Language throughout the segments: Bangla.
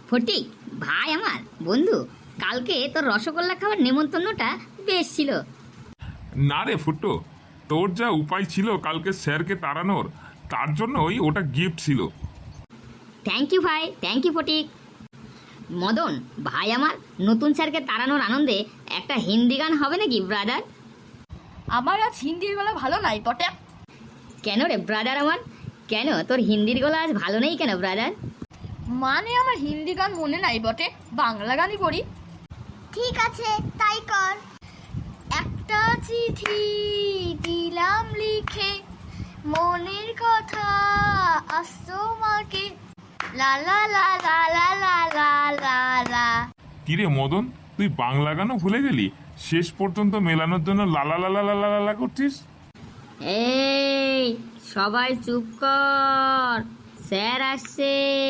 ফটিক ভাই আমার বন্ধু, কালকে তোর রসগোল্লা খাওয়ার নেমন্তন্নটা বেশ ছিল। না রে ফুটো, তোর যা উপায় ছিল কালকে স্যারকে তাড়ানোর, তার জন্য ওটা গিফট ছিল। থ্যাংক ইউ ভাই, থ্যাংক ইউ ফটিক। মদন ভাই আমার, নতুন স্যারকে তাড়ানোর আনন্দে একটা হিন্দি গান হবে নাকি ব্রাদার? আমার আজ হিন্দির গলা ভালো নাই বটে। কেন রে ব্রাদার আমার, কেন তোর হিন্দির গলা আজ ভালো নেই কেন ব্রাদার? মানে আমার হিন্দি গান মনে নাই বটে, বাংলা গানই করি। ঠিক আছে তাই কর। একটা চিঠি দিলাম লিখে, মনের কথা আজ তোমাকে, লা লা লা লা লা লা লা লা লা। কিরে মদন, তুই বাংলা গানও ভুলে গেলি? শেষ পর্যন্ত মেলানোর জন্য লালা লালা লালা লালা করছিস। এই সবাই চুপ কর, স্যার আসছে।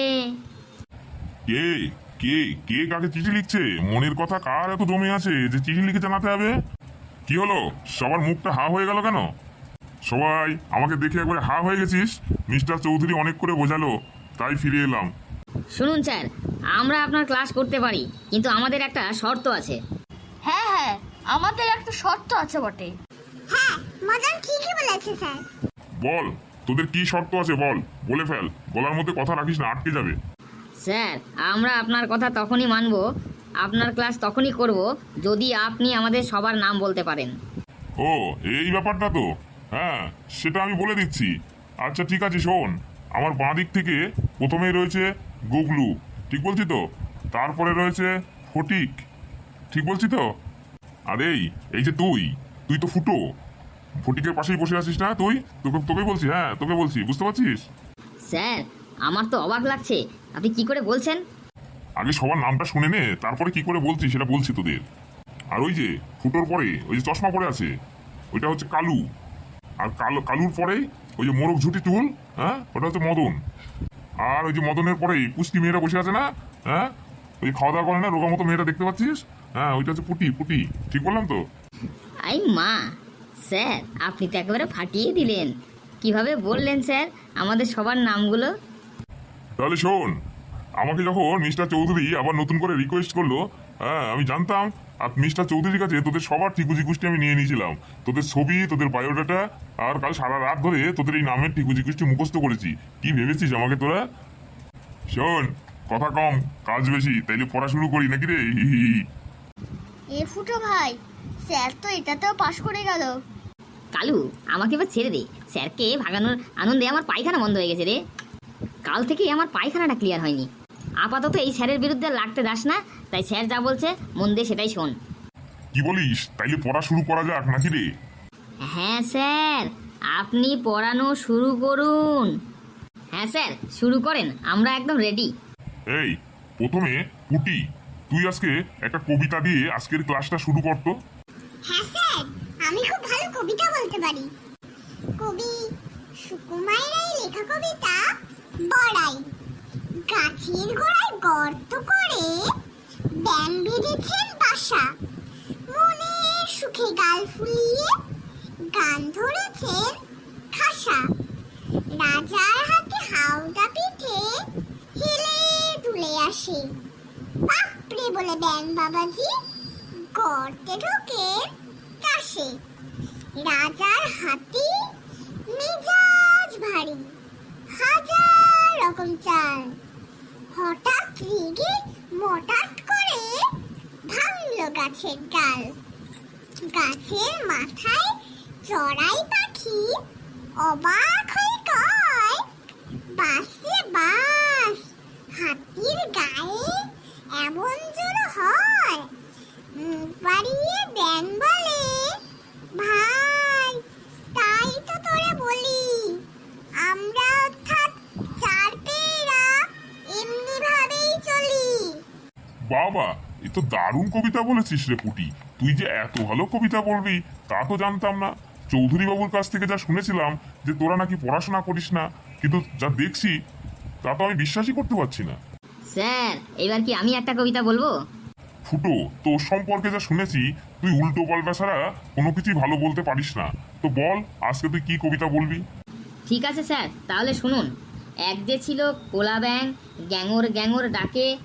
কে কে কে কাকে চিঠি লিখছে? মনের কথা কার এত জমে আছে যে চিঠি লিখে জানাতে হবে? কি হলো, সবার মুখটা হা হয়ে গেল কেন? সবাই আমাকে দেখে একবারে হা হয়ে গেছিস? মিস্টার চৌধুরী অনেক করে বোঝালো, তাই ফিরে এলাম। শুনুন স্যার, আমরা আপনার ক্লাস করতে পারি, কিন্তু আমাদের একটা শর্ত আছে। হ্যাঁ হ্যাঁ, আমাদের একটা শর্ত আছে বটে। হ্যাঁ, মদন ঠিকই বলেছে স্যার। বল, তোদের কি শর্ত আছে বল, বলে ফেল, গলার মধ্যে কথা রাখিস না, আটকে যাবে। স্যার, আমরা আপনার কথা তখনই মানব, আপনার ক্লাস তখনই করব যদি আপনি আমাদের সবার নাম বলতে পারেন। ও এই ব্যাপারটা তো, হ্যাঁ সেটা আমি বলে দিচ্ছি। আচ্ছা ঠিক আছে, শোন, আমার বাঁ দিক থেকে প্রথমেই রয়েছে গুগলু, ঠিক বলছি তো? তারপরে রয়েছে ফটিক, ঠিক বলছি তো? আর এই যে তুই তুই তো ফুটো, ফটিকের পাশেই বসে আছিস না তুই? তোকে বলছি, হ্যাঁ তোকে বলছি, বুঝতে পারছিস? স্যার, আমার তো অবাক লাগছে, আপনি কি করে বলছেন? আগে সবার নামটা শুনে নে, তারপরে কি করে বলছি সেটা বলছি তোদের। আর ওই যে ফুটোর পরে ওই যে চশমা পরে আছে, ওইটা হচ্ছে কালু। আর কালুর পরেই ওই যে মোরগ ঝুটি চুল, হ্যাঁ ওটা হচ্ছে মদন। আর ওই যে মদনের পরেই পুষ্টি মেয়েরা বসে আছে না, হ্যাঁ ওই খাওয়া দাওয়া করে না, রোগা মতো মেয়েটা দেখতে পাচ্ছিস, হ্যাঁ ওইটা হচ্ছে পুটি পুটি, ঠিক বললাম তো? আই মা, স্যার আপনি তো একেবারে ফাটিয়ে দিলেন। কিভাবে বললেন স্যার আমাদের সবার নামগুলো? তাহলে শোন, আমাকে যখন মিস্টার চৌধুরী আবার নতুন করে রিকোয়েস্ট করলো, হ্যাঁ আমি জানতাম, আর মিস্টার চৌধুরীর কাছে তোদের সবার ঠিকুজি কুষ্টি আমি নিয়ে নিয়েছিলাম, তোদের ছবি, তোদের বায়োডাটা, আর কাল সারা রাত ধরে তোদের এই নামের ঠিকুজি কুষ্টি মুখস্থ করেছি। কি ভেবেছিস আমাকে তোরা? শোন, কথা কম কাজ বেশি, তাইলে পড়া শুরু করি নাকি রে? এ ফুটো ভাই, স্যার তো এটাতেও পাশ করে গেল। কালু, আমাকে এবার ছেড়ে দে, স্যারকে ভাগানোর আনন্দে আমার পায়খানা বন্ধ হয়ে গেছে রে। কাল থেকেই আমার পায়খানাটা ক্লিয়ার হয়নি। আপাতত এই স্যারের বিরুদ্ধে লাগতে দাস না, তাই স্যার যা বলছে মন দিয়ে সেটাই শোন। কি বলিস? তাইলে পড়া শুরু করা যাক নাকি রে? হ্যাঁ স্যার, আপনি পড়ানো শুরু করুন। হ্যাঁ স্যার, শুরু করেন, আমরা একদম রেডি। এই প্রথমে পুটি, তুই আজকে একটা কবিতা দিয়ে আজকের ক্লাসটা শুরু করতো। হ্যাঁ স্যার, আমি খুব ভালো কবিতা বলতে পারি। কবি সুকুমার রায়ের লেখা কবিতা বড়াই। গাছের গোড়ায় গর্ত করে ব্যাঙ বেঁধেছেন বাসা, মনের সুখে গাল ফুলিয়ে গান ধরেছেন খাসা। রাজার হাতে হাওদা পিঠে হেলে দুলে আসে, বাপরে বলে ব্যাঙ বাবাজি গর্তে ঢোকে চাষে। রাজার হাতি মেজাজ ভারী, হাজার রকম চাল, হঠাৎ রেগে মটাট করে ভাঙলো গাছের ডাল। গাছের মাথায় চড়াই পাখি অবাক হয়ে কয়, বাসে বাস, হাতির গায়ে এমন জোর হয়। মুখ বাড়িয়ে ব্যাঙ বলে, ভাই তাই তো তোরে বলি, আমরা অর্থাৎ চার পেয়েরা এমনি ভাবেই চলি। বাবা, এ তো দারুণ কবিতা বলেছিস রে পুটি। তুই যে এত ভালো কবিতা বলবি তা তো জানতাম না। চৌধুরী বাবুর কাছ থেকে যা শুনেছিলাম যে তোরা নাকি পড়াশোনা করিস না, কিন্তু যা দেখছি তা তো আমি বিশ্বাসই করতে পারছি না। স্যার, এবার কি আমি একটা কবিতা বলবো? ফুটো, তোর সম্পর্কে যা শুনেছি তুই উল্টো পাল্টা ছাড়া কোনো কিছুই ভালো বলতে পারিস না। তো বল, আজকে তুই কি কবিতা বলবি? ঠিক আছে স্যার, তাহলে শুনুন। এক যে ছিল কোলা ব্যাং, গ্যাঙর গ্যাঙর ডাকে,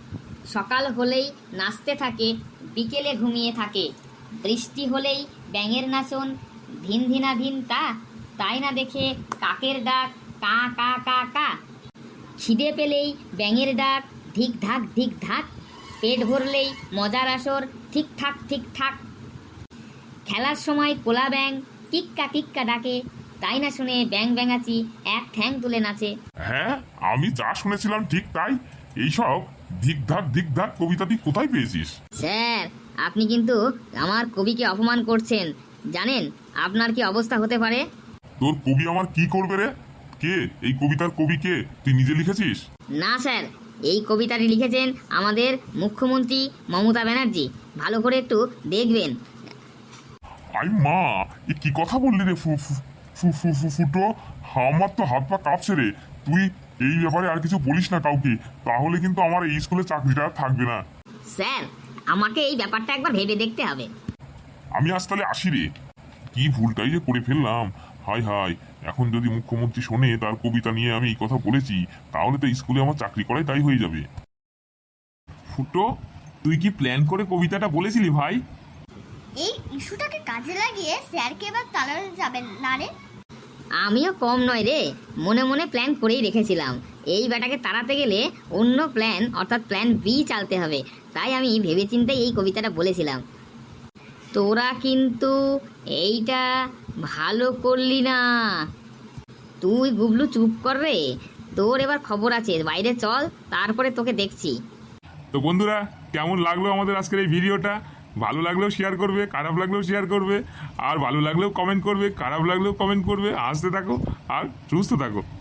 সকাল হলেই নাচতে থাকে, বিকেলে ঘুমিয়ে থাকে। বৃষ্টি হলেই ব্যাঙের নাচন, ধিন ধিনা ধিন তা, তাই না দেখে কাকের ডাক কা কা কা কা। খিদে পেলেই ব্যাঙের ডাক ধিক ধাক ধিক ধাক, পেট ভরলেই মজার আসর ঠিকঠাক ঠিকঠাক। খেলার সময় কোলা ব্যাঙ কিক্কা কিক্কা ডাকে, তাই না শুনে ব্যাঙ ব্যাঙাচি এক ঠ্যাং তুলে নাচে। হ্যাঁ, আমি যা শুনেছিলাম ঠিক তাই। এইসব ধিক ধাক কবিতাটি কোথায় পেয়েছিস? স্যার, আপনি কিন্তু আমার কবিকে অপমান করছেন। জানেন আপনার কি অবস্থা হতে পারে? তোর কবি আমার কি করবে রে? কে এই কবিতার কবি কে? তুই নিজে লিখেছিস? না স্যার, এই কবিতাটি লিখেছেন আমাদের মুখ্যমন্ত্রী মমতা ব্যানার্জি। ভালো করে একটু দেখবেন। আই মা, এ কি কথা বললি রে ফুটো? আমার তো হাত পা কাঁপছে রে। তুই এই ব্যাপারে আর কিছু বলিস না কাউকে, তাহলে কিন্তু আমার এই স্কুলে চাকরিটা আর থাকবে না। স্যার, আমাকে এই ব্যাপারটা একবার ভেবে দেখতে হবে। আমি আজ তাহলে আসি রে। কি ভুলটাই যে করে ফেললাম। হায় হায়, এখন যদি মুখ্যমন্ত্রী শোনে তার কবিতা নিয়ে আমি এই কথা বলেছি, তাহলে তো স্কুলে আমার চাকরি করাই তাই হয়ে যাবে। ফুটো, তুই কি প্ল্যান করে কবিতাটা বলেছিলি ভাই? এই ইস্যুটাকে কাজে লাগিয়ে স্যারকে এবার তাড়ানো যাবে না রে। আমিও কম নয় রে, মনে মনে প্ল্যান করেই রেখেছিলাম। এই ব্যাটাকে তাড়াতে গেলে অন্য প্ল্যান অর্থাৎ প্ল্যান বি চালতে হবে। তাই আমি ভেবেচিন্তে এই কবিতাটা বলেছিলাম। তোরা কিন্তু এইটা ভালো করলি না। তুই গুবলু চুপ কর রে, তোর এবার খবর আছে, বাইরে চল, তারপরে তোকে দেখছি। তো বন্ধুরা, কেমন লাগলো আমাদের আজকের এই ভিডিওটা? ভালো লাগলেও শেয়ার করবে, খারাপ লাগলেও শেয়ার করবে, আর ভালো লাগলেও কমেন্ট করবে, খারাপ লাগলেও কমেন্ট করবে। হাসতে থাকো আর সুস্থ থাকো।